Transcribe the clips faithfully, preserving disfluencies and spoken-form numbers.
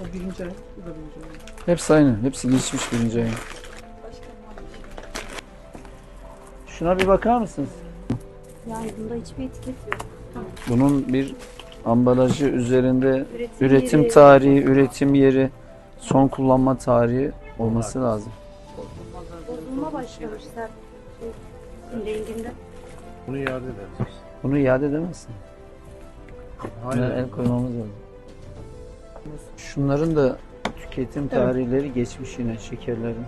O birinci ay, bu da birinci ay. Hepsi aynı. Hepsi geçmiş birinci ayın. Şuna bir bakar mısınız? Yani bunda hiçbir etiket yok. Bunun bir ambalajı üzerinde Üretim, üretim yeri, tarihi, üretim yeri, son kullanma tarihi olması lazım. bozulma başlamışlar. Şey, renginde. Bunu iade ederiz. Bunu iade edemezsin. Buna Aynen. el koymamız lazım. Şunların da tüketim tarihleri geçmiş yine şekerlerin.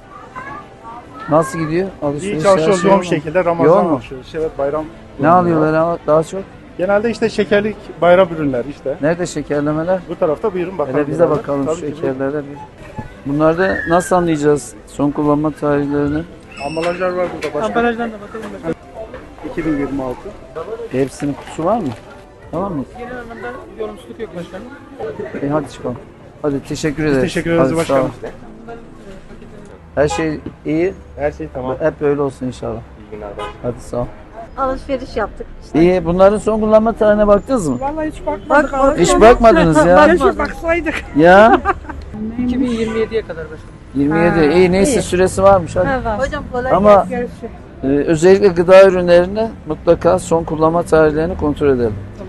Nasıl gidiyor? Alışveriş İyi çalışıyoruz her yoğun şey bir mi? şekilde. Ramazan Yoğun mu? alışıyoruz. Evet, bayram. Ne alıyorlar ama daha çok? Genelde işte şekerlik bayram ürünler işte. Nerede şekerlemeler? Bu tarafta buyurun bakalım. Hele bize beraber. bakalım Tabii şu ki bu- şekerlere bir. Bunlarda nasıl anlayacağız son kullanma tarihlerini? Ambalajlar var burada başka. Ambalajdan da bakalım başkanım. iki bin yirmi altı. Hepsinin kutusu var mı? Tamam mı? Genel anlamda yorumsuzluk yok başkanım. E hadi çıkalım. Hadi teşekkür Biz ederiz. teşekkür ederiz Hadi, sağ ol. başkanım. Her şey iyi. Her şey tamam. Hep böyle olsun inşallah. İyi günler başkanım. Hadi sağ ol. Alışveriş yaptık. İşte. İyi. Bunların son kullanma tarihine baktınız mı? Vallahi hiç bakmadık. Bak- Hiç bakmadınız ya. Keşke baksaydık. Ya. iki bin yirmi yediye kadar başkanım. yirmi yedi. Ha, İyi neyse iyi. süresi varmış hadi. Ha, var. Hocam kolay Ama gelsin. Görüşürüz. e, özellikle gıda ürünlerinde mutlaka son kullanma tarihlerini kontrol edelim.